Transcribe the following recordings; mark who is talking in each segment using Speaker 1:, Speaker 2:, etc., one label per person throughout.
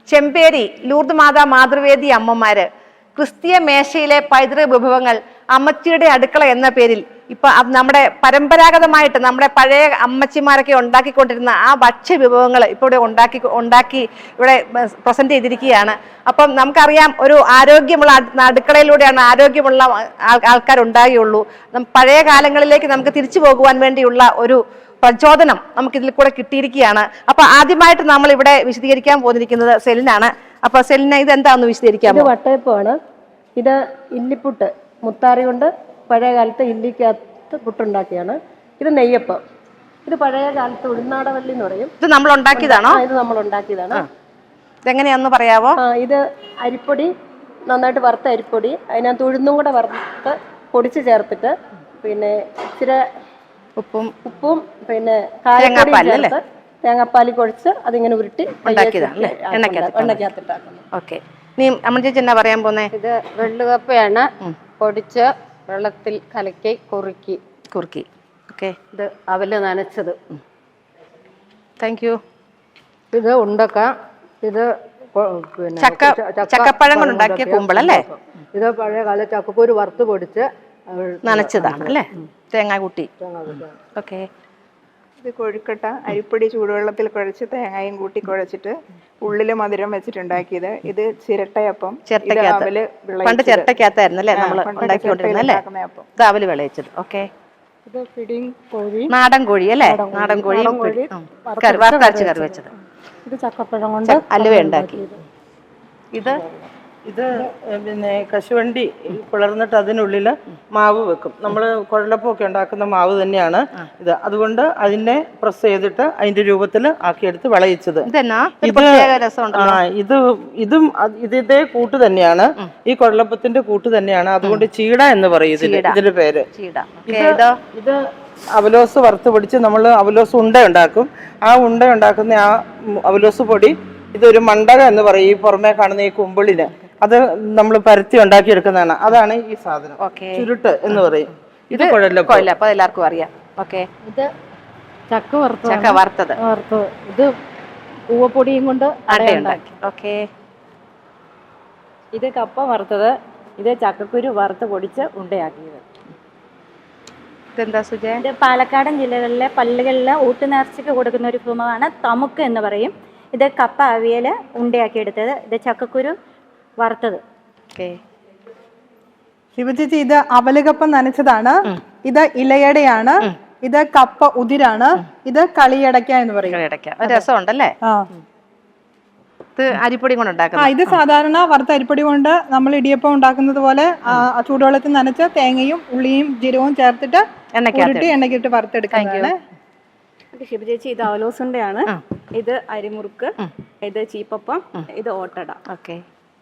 Speaker 1: Chemperi Lourdes മാതാ മാതൃവേദി അമ്മമാര്, ക്രിസ്തീയ മേശയിലെ പൈതൃക വിഭവങ്ങൾ, അമ്മച്ചിയുടെ അടുക്കള എന്ന പേരിൽ ഇപ്പൊ നമ്മുടെ പരമ്പരാഗതമായിട്ട് നമ്മുടെ പഴയ അമ്മച്ചിമാരൊക്കെ ഉണ്ടാക്കിക്കൊണ്ടിരുന്ന ആ ഭക്ഷ്യ വിഭവങ്ങൾ ഇപ്പോൾ ഇവിടെ ഉണ്ടാക്കി ഇവിടെ പ്രസന്റ് ചെയ്തിരിക്കുകയാണ്. അപ്പം നമുക്കറിയാം, ഒരു ആരോഗ്യമുള്ള അടുക്കളയിലൂടെയാണ് ആരോഗ്യമുള്ള ആൾക്കാർ ഉണ്ടാകുകയുള്ളൂ. പഴയ കാലങ്ങളിലേക്ക് നമുക്ക് തിരിച്ചു പോകുവാൻ വേണ്ടിയുള്ള ഒരു പ്രചോദനം നമുക്ക് ഇതിൽ കൂടെ കിട്ടിയിരിക്കുകയാണ്. അപ്പൊ ആദ്യമായിട്ട് നമ്മൾ ഇവിടെ വിശദീകരിക്കാൻ പോന്നിരിക്കുന്നത് സെലിനാണ്. അപ്പൊ സെലിന, ഇത് എന്താണെന്ന് വിശദീകരിക്കാം?
Speaker 2: ഇത് വട്ടയപ്പമാണ്. ഇത് ഇല്ലിപ്പുട്ട്, മുത്താറി കൊണ്ട് പഴയ കാലത്ത് ഇല്ലിക്കകത്ത് പുട്ടുണ്ടാക്കിയാണ്. ഇത് നെയ്യപ്പം. ഇത് പഴയ കാലത്ത് ഉഴുന്നാടവല്ലി എന്ന് പറയും.
Speaker 1: ഇത് നമ്മൾ ഉണ്ടാക്കിയതാണോ?
Speaker 2: ഇത് നമ്മൾ ഉണ്ടാക്കിയതാണ്.
Speaker 1: ഇതെങ്ങനെയാന്ന് പറയാവോ?
Speaker 2: ഇത് അരിപ്പൊടി, നന്നായിട്ട് വറുത്ത അരിപ്പൊടി, അതിനകത്ത് ഉഴുന്നും കൂടെ വറുത്ത് പൊടിച്ച് ചേർത്തിട്ട് പിന്നെ ഇച്ചിരി ഉപ്പും പിന്നെ കായപ്പൊടിയും ചേർത്ത് തേങ്ങാപ്പാലി കുഴച്ച് അതിങ്ങനെ ഉരുട്ടി എണ്ണയ്ക്കകത്തിട്ടാക്കുന്നു.
Speaker 1: ഓക്കെ, നീ അമ്മ ചേച്ചി എന്നാ പറയാൻ പോന്നേ?
Speaker 3: ഇത് വെള്ളുകപ്പയാണ്, പൊടിച്ച് വെള്ളത്തിൽ കലക്കി കുറുക്കി.
Speaker 1: ഓക്കെ,
Speaker 3: ഇത് അവല് നനച്ചത്.
Speaker 1: Thank you.
Speaker 3: ഇത് ഉണ്ടക്ക. ഇത് പിന്നെ
Speaker 1: ചക്കപ്പഴം കൊണ്ടുണ്ടാക്കിയ കുമ്പളല്ലേ?
Speaker 3: ഇത് പഴയ കാല ചക്കക്കൂര് വറുത്ത് പൊടിച്ച്
Speaker 1: നനച്ചതാണ് അല്ലേ? തേങ്ങ കൂട്ടി. ഓക്കെ,
Speaker 4: ഇത് കൊഴുക്കട്ട, അരിപ്പൊടി ചൂടുവെള്ളത്തിൽ കുഴച്ച് തേങ്ങയും കൂട്ടി കുഴച്ചിട്ട് ഉള്ളില് മധുരം വെച്ചിട്ടുണ്ടാക്കിയത്. ഇത് ചിരട്ടയപ്പം.
Speaker 1: പണ്ട് ചിരട്ടക്കകത്തായിരുന്നു അല്ലേ നമ്മൾ ഉണ്ടാക്കിക്കൊണ്ടിരുന്നല്ലേ? ഇത് അവല് വിളയിച്ചത്. ഓക്കെ,
Speaker 2: ഇത് പിടിയും കോഴി,
Speaker 1: നാടൻ കോഴി അല്ലേ? നാടൻ കോഴി വറുത്തരച്ച് കറി വെച്ചത്.
Speaker 2: ഇത് ചക്കപ്പഴം കൊണ്ട്
Speaker 1: അലുവ ഉണ്ടാക്കി.
Speaker 5: ഇത് പിന്നെ കശുവണ്ടി പിളർന്നിട്ട് അതിനുള്ളിൽ മാവ് വെക്കും. നമ്മൾ കുഴലപ്പമൊക്കെ ഉണ്ടാക്കുന്ന മാവ് തന്നെയാണ് ഇത്. അതുകൊണ്ട് അതിനെ പ്രസ് ചെയ്തിട്ട് അതിന്റെ രൂപത്തിൽ ആക്കിയെടുത്ത് വിളയിച്ചത്. ഇതും ഇതേ കൂട്ട് തന്നെയാണ്, ഈ കുഴലപ്പത്തിന്റെ കൂട്ട് തന്നെയാണ്. അതുകൊണ്ട് ചീട എന്ന് പറയും ഇതിന്റെ പേര്. ഇത് അവലോസ് വറുത്ത് പൊടിച്ച് നമ്മൾ അവലോസ് ഉണ്ട ഉണ്ടാക്കും. ആ ഉണ്ട ഉണ്ടാക്കുന്ന ആ അവലോസ് പൊടി ഇതൊരു മണ്ടക എന്ന് പറയും. ഈ പുറമേ കാണുന്ന ഈ കുമ്പിളിന് അത് നമ്മൾ പരത്തി ഉണ്ടാക്കിയെടുക്കുന്നതാണ്. അതാണ് ഈ സാധനം, ചുരുട്ട് എന്ന് പറയും. ഇത് കുഴലപ്പം
Speaker 1: എല്ലാവർക്കും അറിയാം. ഓക്കെ,
Speaker 2: ഇത് ചക്ക വറുത്തത്. ഇത് പൂവപ്പൊടിയും കൊണ്ട്
Speaker 1: അടയുണ്ടാക്കി. ഓക്കെ,
Speaker 2: ഇത് കപ്പ വറുത്തത്. ഇത് ചക്കക്കുരു വറുത്ത് പൊടിച്ച് ഉണ്ടയാക്കിയത്.
Speaker 1: ഇതെന്താ സുജയ?
Speaker 6: ഇത് പാലക്കാടൻ ജില്ലകളിലെ പള്ളികളിലെ ഊട്ടുനേർച്ചയ്ക്ക് കൊടുക്കുന്ന ഒരു വിഭവമാണ് തമുക്ക് എന്ന് പറയും. ഇത് കപ്പ അവിയൽ ഉണ്ടയാക്കി എടുത്തത്. ഇത് ചക്കക്കുരു വറുത്തത്.
Speaker 7: ശിവചേച്ചി, ഇത് അവലുകപ്പം നനച്ചതാണ്. ഇത് ഇലയടയാണ്. ഇത് കപ്പ ഉതിരാണ്. ഇത് കളിയടയ്ക്ക എന്ന് പറയും.
Speaker 1: രസമുണ്ടല്ലേ? ഇത് അരിപ്പൊടി കൊണ്ട് ഉണ്ടാക്കുന്നത്.
Speaker 7: ഇത് സാധാരണ വറുത്ത അരിപ്പൊടി കൊണ്ട് നമ്മൾ ഇടിയപ്പം ഉണ്ടാക്കുന്നത് പോലെ ചൂടുവെള്ളത്തിൽ നനച്ച് തേങ്ങയും ഉള്ളിയും ജീരകവും ചേർത്തിട്ട് എണ്ണക്കിട്ട് വറുത്തെടുക്കുന്നതാണ്.
Speaker 6: ശിവചേച്ചി, ഇത് അവലോസുണ്ടയാണ്. ഇത് അരിമുറുക്ക്. ഇത് ചീപ്പപ്പം. ഇത് ഓട്ടട.
Speaker 1: ഓക്കെ,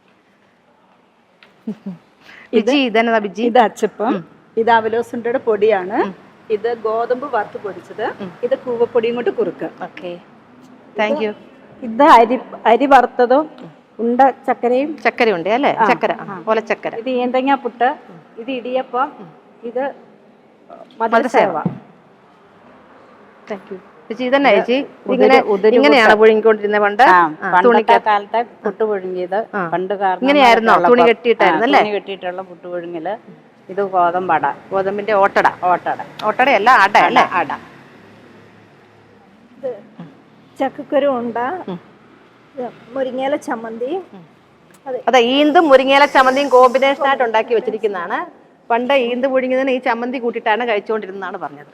Speaker 6: ഇത് അച്ചപ്പം. ഇത് അവലോസുണ്ടയുടെ പൊടിയാണ്. ഇത് ഗോതമ്പ് വറുത്ത് പൊടിച്ചത്. ഇത് കൂവപ്പൊടിയും കൊണ്ട് കുറുക്ക്.
Speaker 1: Okay, thank you.
Speaker 6: ഇത് അരി വറുത്തതും ഉണ്ട ചക്കരയുണ്ട് അല്ലേ? ചക്കര ഓലച്ചക്കര. ഇത് ഏന്തങ്ങ പുട്ട്. ഇത് ഇടിയപ്പം. ഇത് മധുരസേവ.
Speaker 1: Thank you. ഇതന്നെ ചേച്ചി, ഇങ്ങനെയാണ് പുഴുങ്ങിക്കൊണ്ടിരുന്നത് പണ്ട്?
Speaker 3: കാലത്തെ പുട്ട് പുഴുങ്ങിയത് പണ്ട്
Speaker 1: ഇങ്ങനെയായിരുന്നോ? തുണി കെട്ടിയിട്ടായിരുന്നല്ലേ?
Speaker 3: തുണി കെട്ടിയിട്ടുള്ള പുട്ട് പുഴുങ്ങല്. ഇത് ഗോതമ്പട,
Speaker 1: ഗോതമ്പിന്റെ ഓട്ടടയല്ല, അട അല്ലേ? അട.
Speaker 6: ചക്കക്കുരു ഉണ്ട, മുരിങ്ങയില ചമ്മന്തി.
Speaker 1: അതെ, ഈന്തും മുരിങ്ങയില ചമ്മന്തിയും കോമ്പിനേഷൻ ആയിട്ട് ഉണ്ടാക്കി വെച്ചിരിക്കുന്നതാണ്. പണ്ട് ഈന്ത് പുഴുങ്ങിയതിന് ഈ ചമ്മന്തി കൂട്ടിയിട്ടാണ് കഴിച്ചുകൊണ്ടിരുന്നതാണ് പറഞ്ഞത്.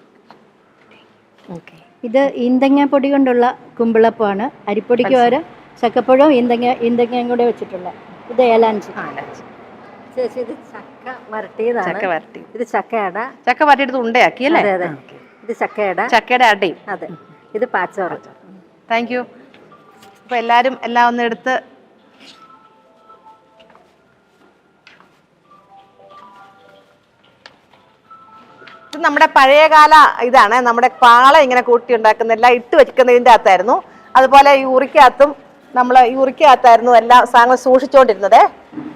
Speaker 6: ഇത് ഈന്തങ്ങ പൊടി കൊണ്ടുള്ള കുമ്പിളപ്പമാണ്. അരിപ്പൊടിക്ക് പകരം ചക്കപ്പഴവും ഈന്തങ്ങയും കൂടെ വെച്ചിട്ടുള്ള. ഇത് ഏലാഞ്ചി.
Speaker 2: ചേച്ചി, ഇത് ചക്ക വരട്ടിയതാണ്. ഇത്
Speaker 1: ചക്ക വരട്ടിയെടുത്ത് ഉണ്ടയാക്കി അല്ലേ?
Speaker 2: ഇത്
Speaker 1: ചക്കയുടെ അടയും.
Speaker 2: അതെ, ഇത് പാച്ചോറ്.
Speaker 1: Thank you. അപ്പൊ എല്ലാരും എല്ലാം ഒന്ന് എടുത്ത് ഇത് നമ്മുടെ പഴയകാല ഇതാണ്. നമ്മുടെ പാള ഇങ്ങനെ കൂട്ടി ഉണ്ടാക്കുന്ന എല്ലാം ഇട്ട് വെക്കുന്നതിൻ്റെ അകത്തായിരുന്നു. അതുപോലെ ഈ ഉറിക്കകത്തായിരുന്നു എല്ലാ സാധനങ്ങളും സൂക്ഷിച്ചുകൊണ്ടിരുന്നത്.